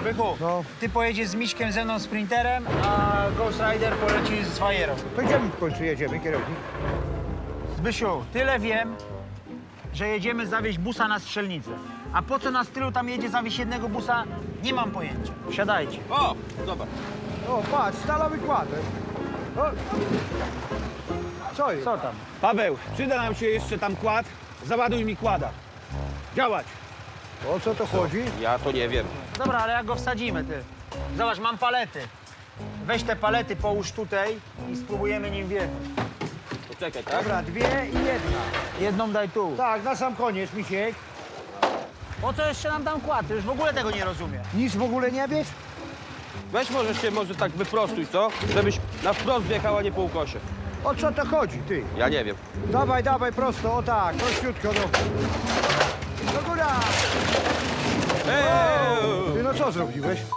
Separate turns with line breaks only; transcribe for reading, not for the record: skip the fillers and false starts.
Bychu,
No.
ty pojedziesz z Miśkiem ze mną sprinterem, a Ghost Rider poleci z fajerą.
To gdzie my w końcu jedziemy, kierownik?
Zbysiu, tyle wiem, że jedziemy zawieźć busa na Strzelnicę. A po co nas tylu tam jedzie zawieźć jednego busa, nie mam pojęcia. Wsiadajcie.
O, zobacz.
O, patrz, stalowy kładek. O. Co jest?
Co tam?
Paweł, przyda nam się jeszcze tam kład. Załaduj mi kłada. Działać.
O co to chodzi?
Ja to nie wiem.
Dobra, ale jak go wsadzimy, ty? Zobacz, mam palety. Weź te palety, połóż tutaj i spróbujemy nim wjechać.
Poczekaj, tak?
Dobra, dwie i jedna.
Jedną daj tu.
Tak, na sam koniec, Misiek.
Po co jeszcze nam tam kład? Ty już w ogóle tego nie rozumiem.
Nic w ogóle nie wiesz?
Weź może tak wyprostuj, co? Żebyś na wprost wjechała, nie po ukosie.
O co to chodzi, ty?
Ja nie wiem.
Dawaj, dawaj, prosto, o tak, prościutko, no. Do góra!
Eee!
Ty, no co zrobiłeś?